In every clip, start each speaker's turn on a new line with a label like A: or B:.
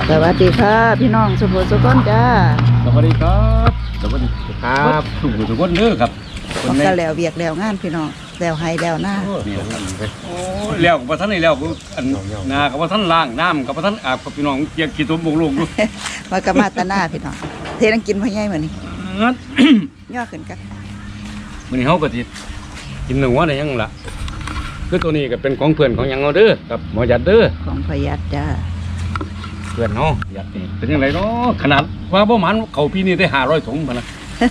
A: สวัสดีค่ะพี่น้องสุภสุขนจ้า
B: สวัสดีครับสวัสดีครับทุกคนเด้อครับ
A: คนก็แล้วเวียกแล้วงานพี่น้องแล้วให้แล้วหน้า
B: โอ้แล้วกับท่านนี่แล้วอันนากับท่านล่างน้ำกับท่านอาบกับพี่น้องเกียร์กี่ตัวบงลงดู
A: มากระมาตาหน้าพี่น้องเทนังกินพ่อใหญ่เหมือนนี่ย่อขึ้นกัน
B: วันนี้เขาก็จิกินหนึ่งวันได้ยังล่ะคือตัวนี้ก็เป็นของเพื่อนของยังเอาเด้อกับหมอยัดเด้อ
A: ของพยัดจ้า
B: เพื่อนเนาะยัดนี่เป็นยังไงเนาะขนาดว่าประมาณเขาพี่นี่ได้500 ถุงมานะ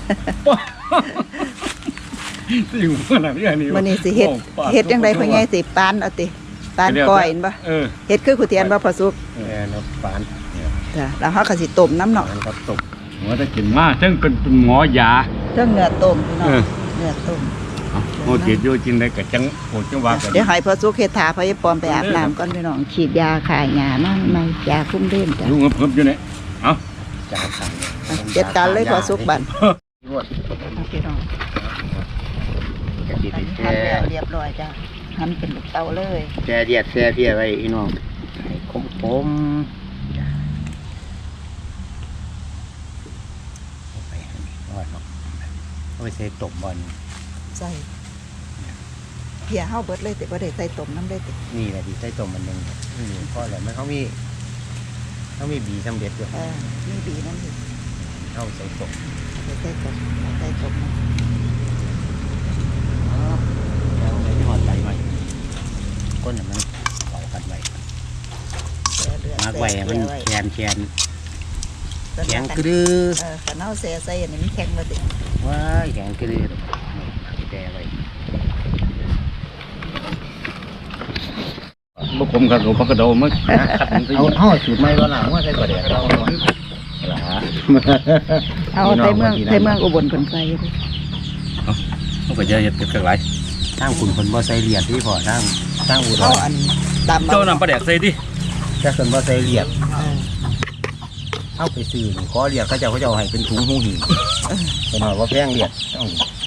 B: อยู่ขนาดนี้นี่
A: มันนี่สิเฮ็ดยังไงพ่อใหญ่สิปานเอาติปานก้อยบ่เฮ็ดคือขุเทียนบ่พอสุก
B: เนาะปาน
A: จ้ะแล้วเฮาก็สิต้มน้ำเนาะ
B: ครับต้มหัวจะกินมาซึ่งเป็นหมอยา
A: เรื่องเนื้อต้มพี่น้องเนื้อต้ม
B: โอ้จิตอยู่จริงได้กับจังโอ้จังว่ากัน
A: เดี๋ยวให้พอสุกเฮ็ดถาพอยายปอมไปอาบน้ำก่อนพี่น้องฉีดยาขายหญ้ามาไม่ยาคุมเล่นจ้ะ
B: อยู่เพิ่มอยู่นี่เอ้า
A: จ้าจัดการเลยพอสุกบั่นพี่น้องหั่นแล้วเรียบร้อยจ้ะหั่นเป็นลูกเตาเลย
C: แช่เดียดแช่เพียไว้อีน้องคมเอาไปใส่ต้มบอล
A: ใส่เพียเฮาเบิดเลยแต่บ่ได้ใส่ต้มน้ำได้ติ
C: นี่แหละที่ใส่ต้มมันนึงก็แหละมันเขามีบีสำเร็จด้วย
A: มีบีนั่นอยู่
C: เอาใส่ต้ม
A: ใส่ต้ม
C: แล้วในที่หอดใส่ใหม่ก้นมันเผากันไว้มากไว้มันแคนแข็งกระดือ
A: ขันเอาใส่อันนี้มันแข็งมาติ
C: ว้าแข็งกระดือแช่ไว้
B: บุกผมกับหลวงพ่อกระโดดมั้ง
C: เอาสูตรใหม่ก็หลังว่าใส่กระเดียด
A: เอาใส่เมืองอุบลคนใส่
B: เขาก็จะเห็ดเป็นกันหลาย
C: ตั้งคุณคนบ่ใส่เหรียญที่พอตั้งอุดร
A: อันตาม
B: เจ้านำปลาแดกใส่ดิ
C: ถ้าคนบ่ใส่เหรียญเอาไปซื้อขอเหรียญเขาจะให้เป็นถุงหูหินเป็นหน่อยว่าแพงเหรียญต้อง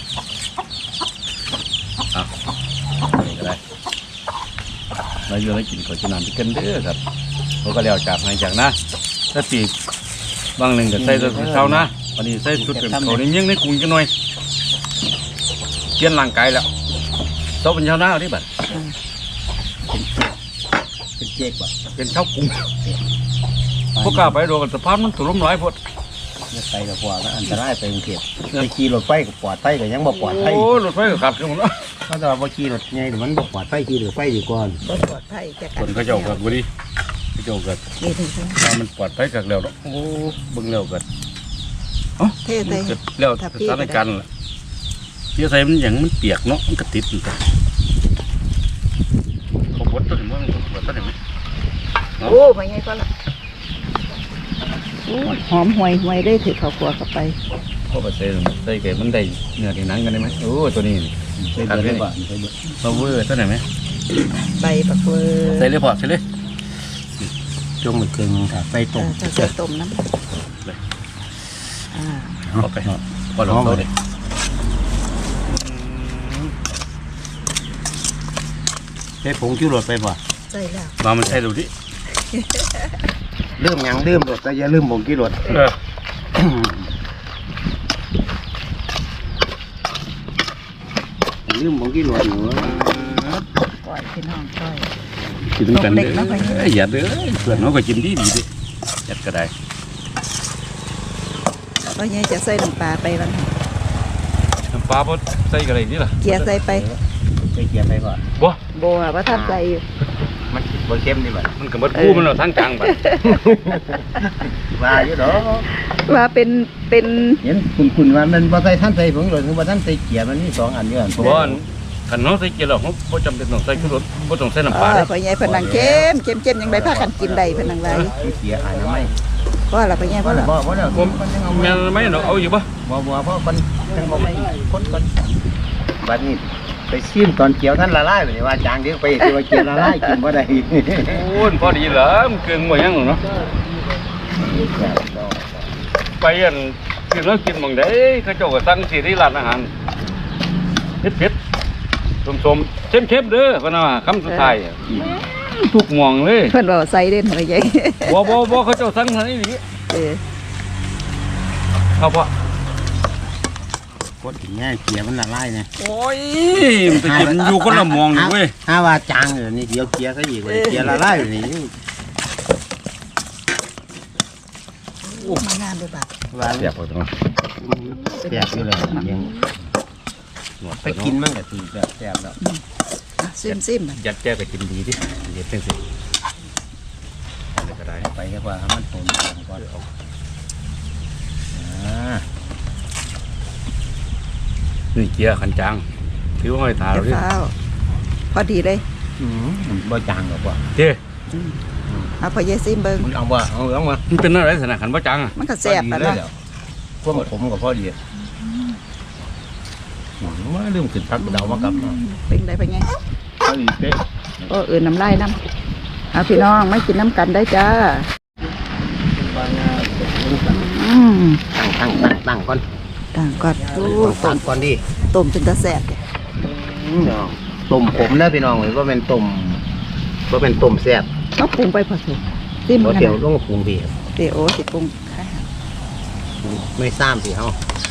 B: นี่ก็ได้เราอยู่ในกินขอจุนันที่กันเด้อครับเขาก็แล้วจากให้จากนะถ้าปีบางหนึ่งก็ใส่ตัวเช้านะวันนี้ใส่ชุดเป็นเขาในเมี่ยงในกรุงกันหน่อยเกี่ยนร่างกายแล้วโตเป็นเช้าหน้าที่บัด
C: เป็นเจ๊กบ่
B: เป็นเช้ากรุงพวกกล้าไปโดนสะพานมันถล่มหลายพด
C: ไปกับปอดอันตรายไปกรุงเทพไปขี่รถไฟกับปอดไฟก็ยังบ่ปอดไฟ
B: โอ้รถไฟก็ขับกันหมดแล้ว
C: เขาจะว่าขี่รถไงหรือมันบ่ปอดไฟขี่รถไฟดีก่อน
A: บ่ปอดไฟจะ
B: คนเขาเจ้ากับบุรีเขาเจ้ากับถ้ามันปอดไฟกับแล้วโอ้บึงแล้วกัน
A: เท่เลย
B: แล้วสถานการณ์ล่ะเที่ยวใส่มันอย่างมันเปียกเนาะมันก็ติดอยู่กันเขาปวดต้นมั้งปวดต้นไหม
A: โอ้ไม่ไงก็ละหอมห่วยได้ถือข้าวคั่วเข้าไป
B: เขาไปใส่แก่มันได้เนื้อที่หนังกันได้ไหมโอ้ตัวนี้
C: ใส่เบอร์ได้ป่ะ
B: เราเวอร์ต้นไหนไหม
A: ใบปักเวอร์
B: ใส่เลยพอใส่เลย
C: จงมันเกินค่ะไฟต้ม
A: ใส่ต้มน้ำ
B: โอเคพอลงโต๊ะเลย
C: ใส่ผงชูรสไปป่ะ
A: ใส่แล้ว
B: มามันใส่ดูดิ
C: เริ่มยังเริ่มรสแต่อย่าลืมผงชูรสลืมผงชูรสหนู
A: ก้อยพี่น้องก้อย
B: กินกันเลยหยัดเลยเพื่อนน้องก็กินดีดิหยัดก็ได้
A: ก็ยังจะใส่น้ำปลาไปบ้าง
B: น้ำปลาพอใส่อะไรนี่ล่ะ
A: เกียร์ใส่ไป
C: ใส่เกียร์ไปก่อน
A: บัวว่าท่านใส่
C: มันบนเข้มนี่แบบ
B: มันกับมดคู่มันเราทั้งกลางแบบ
C: ว่าอยู่ดอก
A: ว่าเป็น
C: เห็นคุณว่ามันบ่ใส่ท่านใส่ผงหรือว่าท่านใส่เกียร์มันนี่2 อันเดียวกัน
B: เพราะว่าขันน้องใส่เกียร์เราเขาไม่จำเป็นต้องใส่ขึ้นรถไม่ต้องใส่น้ำปลา
A: เลยพอใหญ่พนังเข้มยังได้พากันกินได้พนังไร
C: เกียร์อ่านไม่
A: ก็เราไปแย่เพราะเรา
B: แม่ไม่เนาะเอาอยู่ปะ
C: บ่เพราะคนยังบ่ไม่คนบัดนี้ไปชิมตอนเกี๊ยวท่านละลายไปว่าจางเดี๋ยวไปว่าเกี๊ยวละลายกินบ่ได้
B: โอ้ยพอดีเหรอมันเกินหมดยังหรอเนาะไปอันกินแล้วกินมองได้เขาเจ้าก็ตั้งสีที่ร้านอาหารเผ็ดส้มเข้มเด้อพนักคำสุดท้ายทุกหมองเลย
A: เพิ่นบอกใส่เด่นพ่อใหญ่
B: บ่เขาเจ้าสั่งทางนี้ดิ เขาบ่
C: กดถึงแง่เกียร์มันละลายเนี่ย
B: โอ้ยมันจะกินอยู่คนละหมองนี่เว้ย
C: ถ้าว่าจางอยู่นี่เดี๋ยวเกียร์ก็อีกเลยเกียร์ละลายอยู่นี่
A: มางานด้วยบัด
C: ว่า
B: เสียบเอาตรงนั้น
C: แซ่บอยู่เลยยังไปกินมันก็ถือแบบแซ่บแล้ว
A: ซิมๆบัด
B: ยัดแก้ก็กินดีดิเด็ดจังสิอะไรก็ได้
C: ไปดีกว่าให้มันต้มก่อนเอา
B: นี่เกียร์ขันจางถือว่าห้อยตาเราดิ
A: เฝ้าพอดีเลย
C: บ่จางหรอกว่า
B: เจ้
A: เอาพ่อใหญ่ซิมเบิ่ง
C: มันเอาว่าเอามา
B: มันเป็นอะไรสนะขันบ่จังอ่ะ
A: มันก็แซ่บปะเนาะ
C: พวกผมกับพ่อดีมาลืมขึ้นพักเดามากับ
A: เป็นไดพ่อใหญ่
C: พ่อดีเป๊ะ
A: โอ้น้ำลายน้ำเอาพี่น้องไม่กินน้ำกันได้จ้า
C: ตั้งก่อน
A: ต่างก่อนโอ้
C: ตั้งก่อนดิ
A: ต้มเป็นตาแซ่บเลย
C: ต้มผมนะพี่น้องเลยว่าเป็นต้มแซ่บ
A: ต้องปรุงไปพอสุกซิม
C: เพราะ
A: กัน
C: เดี๋ยวต้องปรุงดี
A: เดี๋ยวโอ้สิปรุงค่ะ
C: ไม่ซ้ำสิเฮา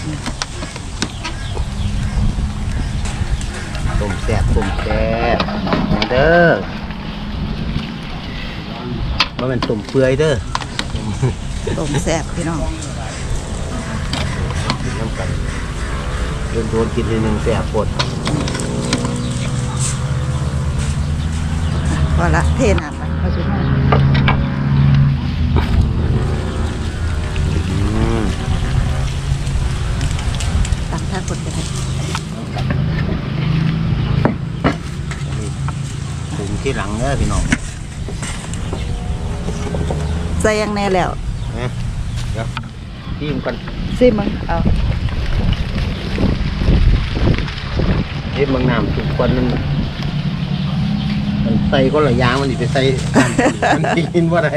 C: ต้มแซ่บเด้อว่าเป็นต้มเปื่อยเด้อ
A: ต้มแซ่บพี่น้อง
C: น้ำกันโดนกินทีหนึ่งแซ่บปวด
A: พอละเทน้ำไปพอสุกตั้งท่ากดไปเลย
C: ปรุงที่หลังเด้อพี่น้อง
A: ใส่ยังแน่แล้ว
C: นะเดี๋ยวที่มันกัน
A: ซิมมึงเอา
C: เฮ็ดบางน้ำทุกคนมันใส่ก็ละยางมันดิไปใส่มันกินว่าได้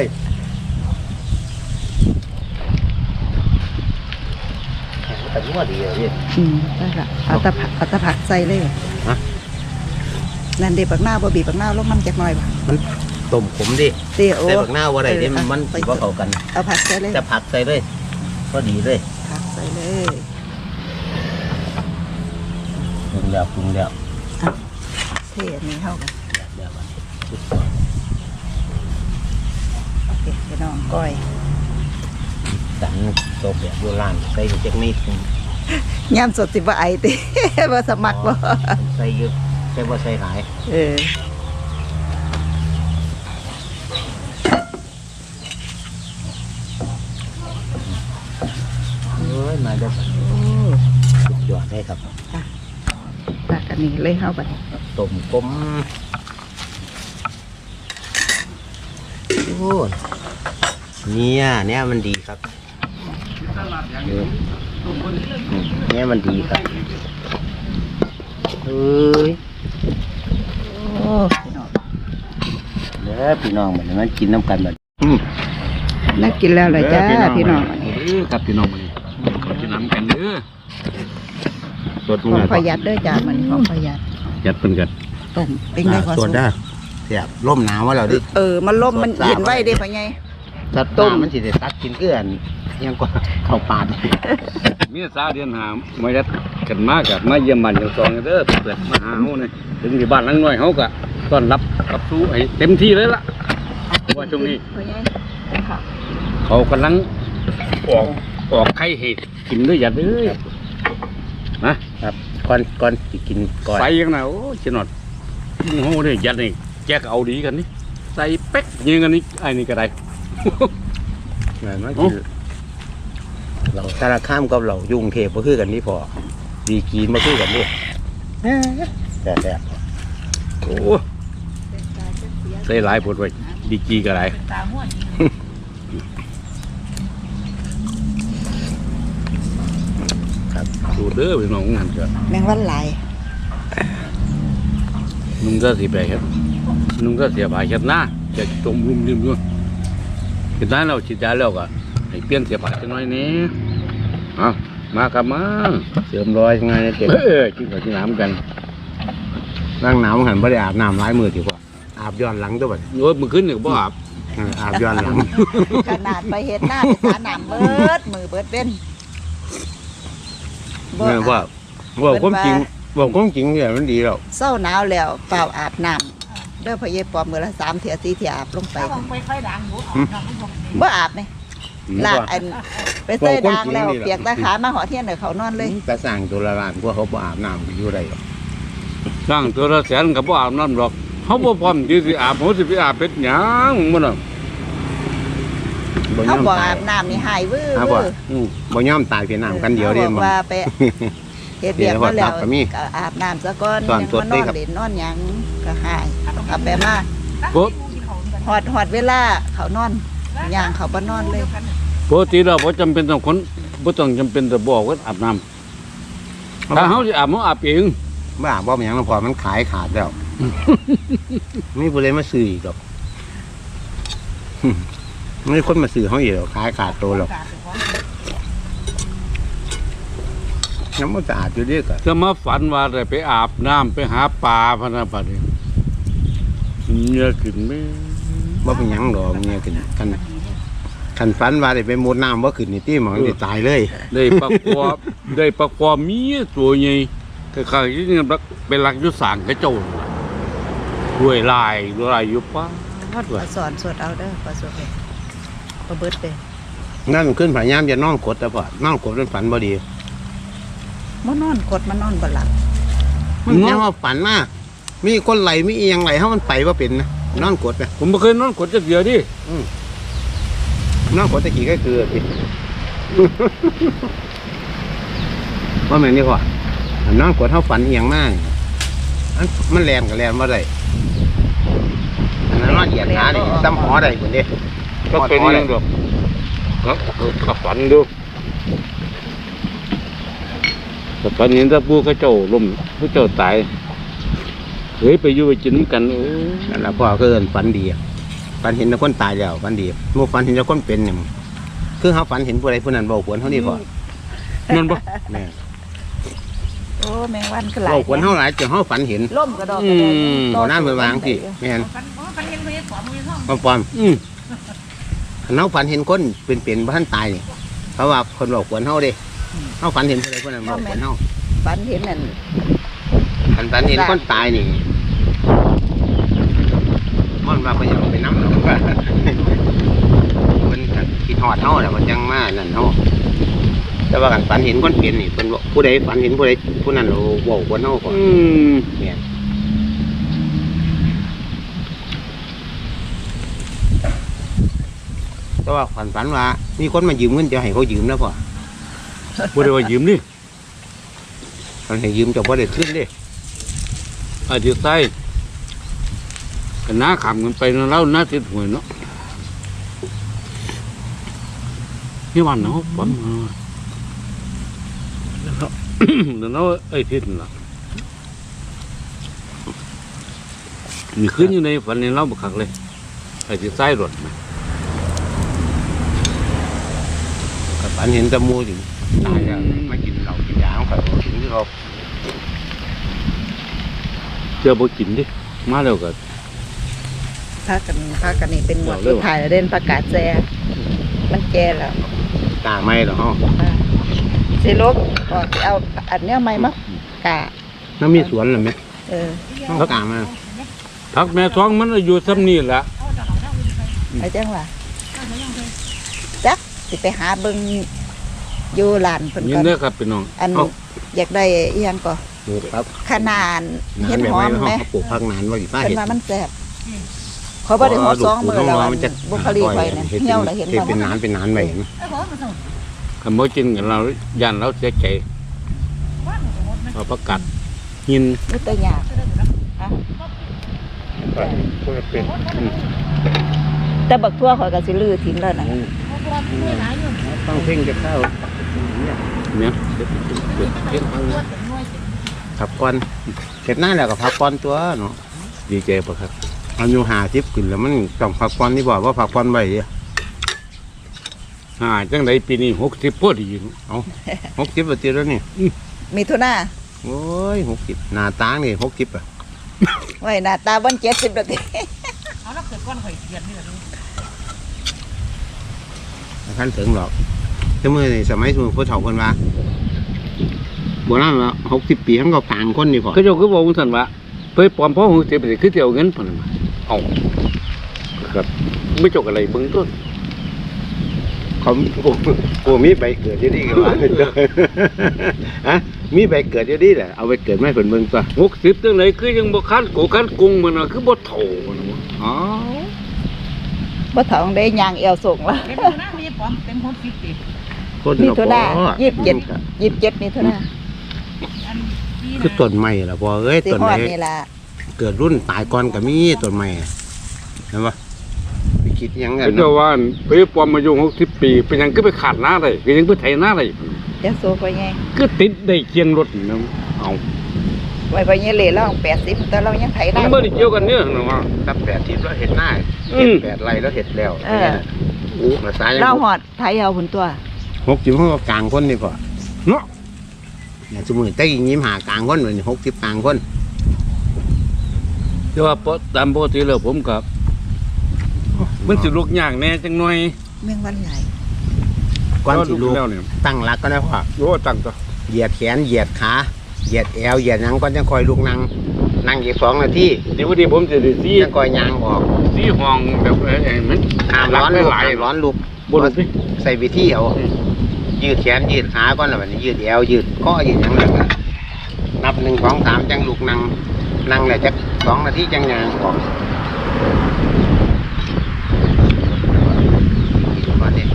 C: แต่ว่าดีอ่ะพี่
A: ได้ละเอาตะผักใส่เลย
C: ฮะ
A: นั่นเด็บปักหน้าบ่บีบปักหน้าลงมันจักหน่อยบ่
C: มันต้มขมดิ
A: เดี๋ยว
C: ใส่ผักหน้าว่าได้ดิมันสิว่าเข้ากัน
A: เอาผักใส่เลย
C: จะผักใส่เลยก็ดีเลย
A: ผักใส่เลย
C: ปรุงแล้ว
A: เทอันนี้เข้ากัน
C: เดี๋ยว
A: โอเคพี่น้องก้อย
C: สันโตแบบโบราณใส่เจ็กนิด
A: ย่ำสดสิบ่ไอติ บ่สมัครบ่
C: ใส่เยอะใส่บ่ใส่หลาย
A: เออ
C: มาเด้อ
A: โอ้
C: สุดยอดได้ครับ
A: ตักอันนี้เลยเข้าไป
C: ต้มกลมโอ้เนี่ยมันดีครับเนี่ยมันดีครับเฮ้ย
A: โอ้พี่น้อง
C: เด้อพี่น้องเหมือนมันกินน้ำกันแบบ
A: น่ากินแล้วเลยจ้าพี่น้อง
B: ครับพี่น้องมานี่ขอกินน้ำกันเด้อ
C: สด
A: ของ
C: มาก
A: ประหยัดเด้อจ้ามันของประหยัด
B: ยัดเป็นกัน
A: ต้มเป็นได้พอ
C: ส
A: สุ
C: ด
A: ก
C: ได้เสียบร่มหนาวว่าเราดิ
A: มันล่มมันเย็นไว้เด้พ่อใหญ่
C: ถ้าต้มมันสิได้ตักกินเกลือนยังกว่าข้าวปาด
B: มีสาวเดือนหามายัดกันมากกับมาเยี่ยมบ้านอย่างสองเด้อเปิดมาหาเฮาเนี่ยถึงที่บ้านหลังน้อยเฮาก็ต้อนรับกับสู้ให้เต็มที่เลยล่ะว่าช่วงนี้
A: พ่อใหญ่ค่ะ
B: เขากำลังออกไข่เห็ดกินด้วยยัดเอ้ยนะครับ
C: ก่อนสิกินก่อน
B: ใส่ยังไงโอ้ยเจนอดมึงโหเนี่ยยัดนี่แจกเอาดีกันนี่ใส่เป๊กยิงกันนี่ไอ้นี่ก็ได้
C: มันคือเราสารข้ามกับเรายุ่งเทพก็คือกันนี่พอดีกีนมาคือกันนี่แต่
B: โอ้ใส่หลายปวดไว้ดีกีก็ได้
A: ตาห้วน
C: ครับ
B: ดูเด้อพี่น้องงานเกิด
A: แมงวันหลาย
B: นุ่งก็สีไปครับนุ่งก็เสียบายครับนะจะจมรุ่มริ่มด้วยกินได้เราฉีดยาแล้วก็ให้เปลี่ยนเสียบายจังน้อยนี้มาครับมา
C: เสริมรอยยังไงเนี่ยเจ็บ
B: กินกับกินน้ำกัน
C: นั่งหนาวหันไม่ได้อาบน้ำร้ายมือดีกว่าอาบอาบย้อนหลังตัวบัด
B: โอ้ยมึงขึ้นเนี่ยบ่อาบ
C: อาบย้อนหลัง
A: ขนาดไปเฮ็ดหน้าไปสาน้ำเบิดมือเบิดเป็นบ่
C: เนี่ยว่าความจริงว่าความจริงเนี่ยมันดีแล้ว
A: เศร้าหนาวแล้วเปล่าอาบน้ำเด้อพ่อเย็บปอมมื้อละ3เที่ย4เที่ยอาบลงไปบ่อาบไหมลากอันไปใส่ดางแล้วเปียกตาขามาหอเทียนเด้อเขานอนเลย
C: แต่สร้างตัวละล้านกว่าเขาบ่อาบน้ำอยู่ได้หรอก
B: สร้างตัวละแสนก็บ่อาบน้ำหรอกเฮาบ่พร้อมที่สิอาบเฮาสิไปอาบเป็ดหยังมันน่ะ
C: บ่ย
A: เขา
C: อม
A: บ่
C: ตาย
A: อาบน้ำนี่หายวื้อ
C: อาบบ่
A: วื้อ
C: บ่ยอมตายเพียงน้ำกันเดียวเด้
A: ขาบ
C: มั
A: อน กว่าไปเฮ็ดเบียกมาแล้ว
C: เดี๋ยวก็มี
A: ก็อาบน้ำซะก่อน
C: ตอน
A: ยัง
C: สด
A: มาน
C: เด้
A: อน
C: ครับ
A: เล่นนอนหยังก็หายเอาไปมา
B: ปก
A: หอดเวลาเขานอนย่างเขาบ่นอนเลย
B: ปกติเราบ่จำเป็นต้องคนบ่ต้องจำเป็นต้องบอกว่าอาบน้ำถ้าเฮาสิอาบเฮาอาบเอง
C: บ้าบ่เป็นหยังพอมันขายขาดแล้วไม่ผู้ใดมาซื้ออีกหรอกไม่คนมาซื้อเขาอีกหรอกขายขาดตัวหรอกน้ำมันสะอาดอยู่เดียวกัน
B: ถ้ามาฝันว่าได้ไปอาบน้ำไปหาปลาพะนะบัดนี้เมียขึ้นแม่
C: ว่าเป็นหยังดอกเนี่ยกันฝันว่าได้ไปมุดน้ำว่าขึ้นนี่ตี้หมอนได้ตายเลย
B: ได้ปลาคอได้ปลาคอเมียตัวใหญ่คล้ายๆที่นี่เป็นหลักอยู่สร้างกระโจนด้วยลายอยู่ป้าด
A: ข
B: ว่า
A: อสอนสวดเอาเด้อขอสวดเลยขอเบิดเลย
C: นั่นมันขึ้นพยายามจะนอนกดแต่พอนอนกดเป็นฝันบ่ดี
A: มานอนกดมานอนบ่หลับ
C: มันยังว่าฝันมากมีคนไหลมีเอียงไหลเขามันไปว่าเป็นนะนอนกดไป
B: ผมบ่เคยนอนกดจักเดียวดิ
C: นอนกดตะกี้ก็คือสิ ว่าแม่นนี่ก่อนนอนกดเขาฝันเอียงมากมันแลนกับแลนว่าไรอันนั้นนอนเหยียดขาดิซ้ำหอได้คนเดียว
B: ก็เป็นอยังดอกก็ฝันดูแต่ฝันเห็นถ้าปู่เขาเจ้าล้มเขาเจ้าตายเฮ้ยไปอยู่ไปกินกันโอ้
C: นั่นแหละพ่อก็เอินฝันดีอะฝันเห็นแต่คนตายแล้วฝันดีเมื่อฝันเห็นแต่คนเป็นเนี่ยคือเขาฝันเห็นผู้ใดผู้นั้นบอกควรเขาดีพอ
B: นั่นบ่
C: เนี่ย
A: โอ้แมงวันก็หลาย
C: บอกควรเขาหลายจนเขาฝันเห็น
A: ล่มกระดอกกระเด็น
C: เอาน้ำไปวางสิไม่เห็นปอม เขาฝันเห็นคนเป็นบ้านตายเพราะว่าคนบอกควรเขาเด้เขาฝันเห็นผู้ใดผู้นั้นบอกควรเขา
A: ฝันเห็นนั่น
C: ฝันเห็นคนตายนี่มันว่าเป็นอย่างไปน้ำหรอกว่ามันคิดหอดเขาแต่มันยังมานั่นเขาแต่ว่ากันฝันเห็นคนเป็นนี่เป็นผู้ใดฝันเห็นผู้ใดผู้นั้นเราบอกควรเขาก่อนเนี่ยแต่ว่าฝันว่ามีคนมายืมเงินจะให้เขายืมนะพ่อ
B: บ่ได้ว่ายืมนี่
C: มันให้ยืมจะบ่ได้ขึ้นเด้
B: อาจจะใส่กันน้าขำกันไปนะแล้วน้าติดหวยเนาะนี่วันเนาะฝันแล้วเนาะไอ้ทิศน่ะมีขึ้นอยู่ในฝันในเล่าบักคักเลยไอ้ที่ใส่รถนะ
C: ก็ฝันเห็นแตะมูอยู่ตายแล้วมากินเหล้ากินยาของเขาถึงที่เขา
B: เจอบ่กินดิมาแล้วก็
A: พากันนี่เป็นหมวดสุดท้ายแล้วเด่นประกาศแซ่มันแก่แล้ว
C: ตาไม่หรอก
A: สิลบก็สิเอาอันเนี้ยใหม่มากะ
C: น้ำมีสวนหรือไหม
A: เออ
C: ต้องกามา
B: พักแม่ท้องมันอายุซ้ำนี่แหละ
A: ไอ้จังว่าจักสิไปหาเบิ่งอยู่ลานเพิ่น
B: ยิ
A: ก่
B: น
A: อน
B: เด้อครับพี่น้อง
A: อันอยากได้อีหยังก็
C: ปลูกครับ
A: ขนาด
C: นา
A: เห็
C: น
A: ด
C: แบบ
A: หอ
C: ไม่
A: มไหม
C: เขาปลูกพักนานว่าอยู่ป้า
A: เพิ่
C: เห็
A: น
C: ด
A: ว่ามันแซ่บเขาบ่ได้หอสองมื้อแล้วอันบุคลิกไว้เนี่ยเหี่ยวแล้วเห็นบ่
C: เป็นนานไปเห็น
B: คันบ่กินกันเราย่านเราเสียใจเอาประกาศยิน
A: นี่ตัวยากฮะแต่บักทั่วข่อยก็สิลื้อทิ้งแล้วนะ
C: ต้องเพ่งจะเข้า
B: เนี่ย
C: ผักก้อนเสร็จหน้าแล้วก็ผักก้อนตัวเนาะ
B: ดีใจบ่ครับ
C: อายุ50ขึ้นแล้วมันต้องผักก้อนนี่บอกว่าผักก้อนไว้ดิ
B: จังไดปีนี้60พอดีเนาะ
C: เอา60ปีแล้วนี่
A: มีทุนา
C: โอ้ย60หน้าตานี่60อ่ะ
A: ไว้หน้าตาบ่70แล้วติ
D: ก้อนข่อยเกียดนี่แหละ
C: ท่านถึงหรอกแต่เมื่อสมัยสมัยผู้เฒ่าคนว่าโบราณว่า60 ปีทั้งก็ต่างคนนี่พอ
B: ก็เจ้าคือบอกท่านว่าไปปลอมพ่อหูเจ็บไปคือเที่ยวเงินพนันเอาครับไม่จกอะไรเบิ้งต้น
C: เขาโอ้มีใบเกิดอยู่ดีกันว่าฮะมีใบเกิดอยู่ดีแหละเอาไปเกิดไม่เพิ่นเบิ่งตัว
B: 60จังไหนคือยังบ่คันโกคันกุ้งมันน่ะคือบ่เท่ามันวะ
C: อ๋อ
A: บ่เฒ่าได้ยางเอวส่งละ
D: เต็มนะมีปอมเต็ม60 ปี
C: คน
A: มีโทดา
C: ก็พอ
A: 27นี่เท่านั้น
D: อันที่
C: คือต้นไม้ล่ะพอเอ้ย
A: สิ
C: ต้น
A: ฮอ
C: ไม้
A: ดนี่ล่ะ
C: เกิดรุ่นตายก่อนก็มีต้นไม้เห็นปะไปคิดหยังไง
B: เขาเจ้าว่าไปปลอมมาอยู่60 ปีเป็นหยังคือไปขาดหน้าได้เป็นหยังไปไถหน้าได้
A: จะโซไปไง
B: คือติดได้เคียงรถนะเอา
A: ไว้ไปเนี่ยเหล่เรา80แต่เรายังไถ
B: มั
A: ได้
B: นบ่ได้เกี่ยวกันเนี่ยนะว่า
C: ถ้า80แล้วเห็ดหน้า
B: อืม
C: 8 ไร่แล้วเห็ดแล้ว
A: เออ
C: อู้ภาษายัง
A: เราหอดไถเอาผลตัว
C: 60เขาก็กลางคนนี่พอเนาะเนี่ยสมมุติแต่ยิ้มหากลางคนเหมือน60กลางคน
B: แต่ว่าตามปกติแล้วผมก็มันสิลูกยากแน่จังหน่อย
A: เมืองวันไหล
C: ก่อนสิลูก
B: แล้วเนี่ย
C: ตั้งหลักก็ได้พอ
B: โยตั้งตัว
C: เหยียดแขนเหยียดขาเหยียดแอวเหยียดหยังก็จะคอยลูกนั่งอีก2 นาที
B: เดี๋ยววันนี้ผมจะได้ซี
C: จะคอยยางออก
B: ซีห้องแบบมัน
C: ห้ามร้อนลูก
B: หลาย
C: ห้ามร้อนลูก
B: บนสิ
C: ใส่วิธีเอายืดแขนยืดขาก่อนแล้วบัดนี้ยืดแอวยืดข้อยืดหยังแล้วก็นับ1 2 3จังลูกนั่งแล้วจัก2 นาทีจังยางออกก่อนนี่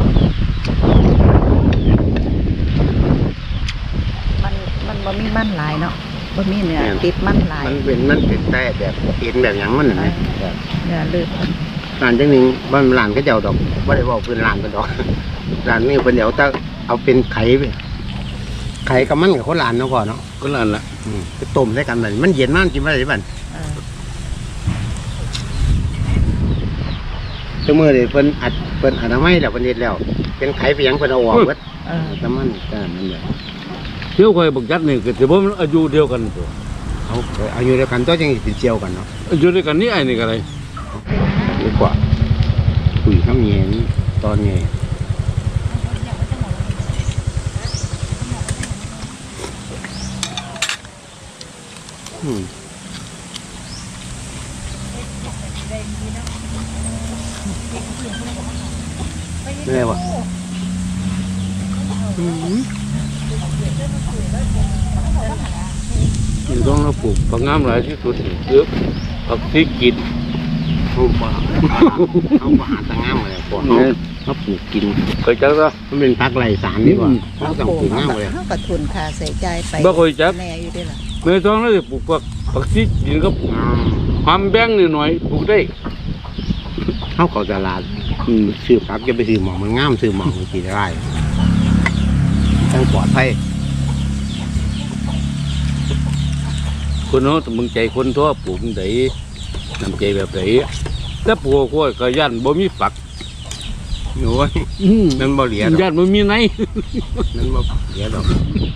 A: มันบ่มีมันหลายเนาะบ่มีเนื้อติดมันหลาย
C: มันเป็นแต่แบบเอ็นแบบหยังมันน่ะนะแบบ
A: เนื้อเลือด
C: ร้านจังหนึงบ้านร้านก็เจ้าดอกบ่ได้เว้าเพิ่นร้านเพิ่นดอก ร้านนี้เพิ่นเดี๋ยวถ้าเอาเป็นไข่ไปไข่กับมันกับคนร้านเนาะพ่อเนาะ
B: ก็นั่นแหละ
C: ไปต้มใส่กันบัดนี้มันเย็นมากกินบ่ได้บัด
A: เออ
C: ชั่วมื้อนี้เพิ่นอนามัยแล้วเพิ่นเฮ็ดแล้ว เป็นไข่ไปหยังเพิ่นเอาออกเบิด
A: เออ
C: แต่มันก็นั่นแหละ
B: เที่ยวคอยบักยัดนี่ก็ถือว่ามันอายุเดียวกันตัว
C: เอาอยู่ด้วยกันตัวจังสิเป็นเจียวกันเนาะ
B: อายุเดียวกันนี่ไอ้นี่ก็อะไร
C: ดีกว่าคุยคำแยงตอนแยอืมไม่ได้วะ
B: มันต้องเราปลูกผักงามหลายที่สุดเยอะผักที่กิน
C: เขาบ่เขาบ่หาตะงามเลยพวกเขาปลูกกิน
B: เคยจักซะ
C: มันเป็นพักไรสารดีกว่าเขาต้องปลูกงามเลย
A: เฮาก็ทุนค่าใส่ใจายไป
B: บ่เคยจัก
A: แน่อยู่เด้ล่ะ
B: เมื่อต้องเราจะปลูกผักที่กินก็หอมแบงนิดหน่อยปลูกได้
C: เขาเข้าตลาดซื้อผักจะไปซื้อหมองมันงามซื้อหมองมันกี่ได้ต้องปลอดภัย
B: คนเนาะมึงใจคนทั่วปลูกได้น้ำใจแบบไหนถ้าปลูกก็ย่านบ่มีฝัก
C: โอ้ยนั่นบ่เหลียดอก
B: ย่านบ่มีไหน
C: นั่นบ่เหลียดอก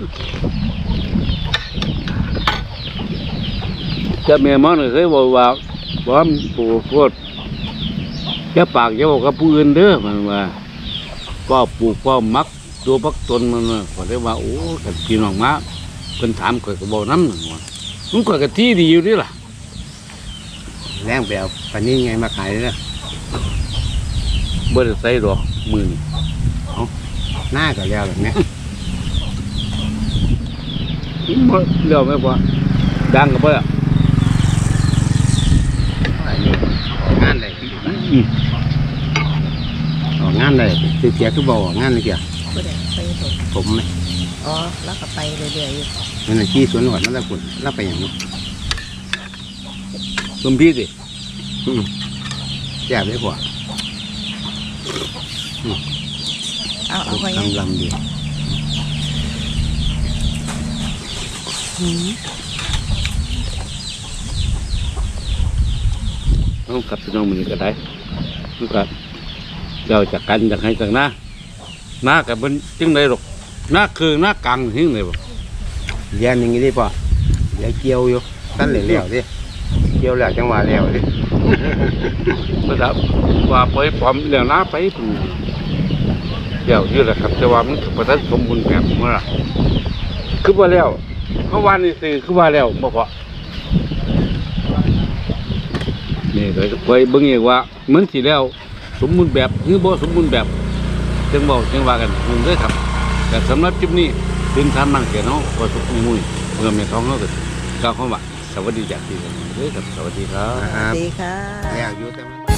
B: จะแม่มันเคยบอกว่าปลูกพวกแค่ปากจะบอกกับผู้อื่นเด้อมันว่าก็ปลูกก็มักตัวพักตนมันก็ได้ว่าโอ้กันกินออกมาเพิ่นถามข่อยก็บอกน้ำหนึ่งว่ามันข่อยก็ที่ดีอยู่นี่ล่ะ
C: แรงไปเอาปันนี้ไงมาขายเลย
B: บ่ได้ใส่ดอกมือนี่
C: หน้าก็แล้วแบบนี้
B: บ่เลี้ยวไม่พอดังก็บ่อะ
C: งานได้ออกงานได้คือเสียคือบ่ออกงานเลยเกี่ย
A: บ่ได้ไปเฮ็ด
C: ผมไหม
A: อ๋อแล้วก็ไปเรื่อยๆอยู่
C: นั่นน่ะขี้สวนหนวดนั่นแหละคุณแล้วไปอย่างนี้
B: สมพี่สิ
C: แย่ได้กว่า
A: เอาไปไง
C: ลำดี
B: เอากลับพี่น้องมื้อนี้ก็ได้มันก็เดี๋ยวจากกันจากให้จากหน้ากับมันจึงได้หรอกหน้าคือหน้ากลางทิ้งเลยบ่
C: แย่นึงนี่ได้ป่ะแย่เกี่ยวอยู่ตั้นเหลวๆดิกี่ยวแล้วจังหวะแล้วเลย
B: ประดับว่าไปพร้อมแล้วนะไปปุ่นเดี๋ยวยืดแหละครับแต่ว่ามันประทัดสมบูรณ์แบบเมื่อไหร่คือว่าแล้วเขาว่านี่สิคือว่าแล้วบ่พอนี่เลยไปเบิ่งอีกว่าเหมือนสิแล้วสมบูรณ์แบบหรือบ่สมบูรณ์แบบจังบอกจังว่ากันมึงเด้อครับแต่สำหรับคลิปนี้ถึงทำมั่งแก่น้องก็สุขมุ่ยเมื่อแม่ท้องเขาก็กล่าวคำว่าสวัสดีจากที่นี่เด้อครับสวัสดีครับ
A: สวัสดีค่ะ
C: แล้วอยู่แต่มัน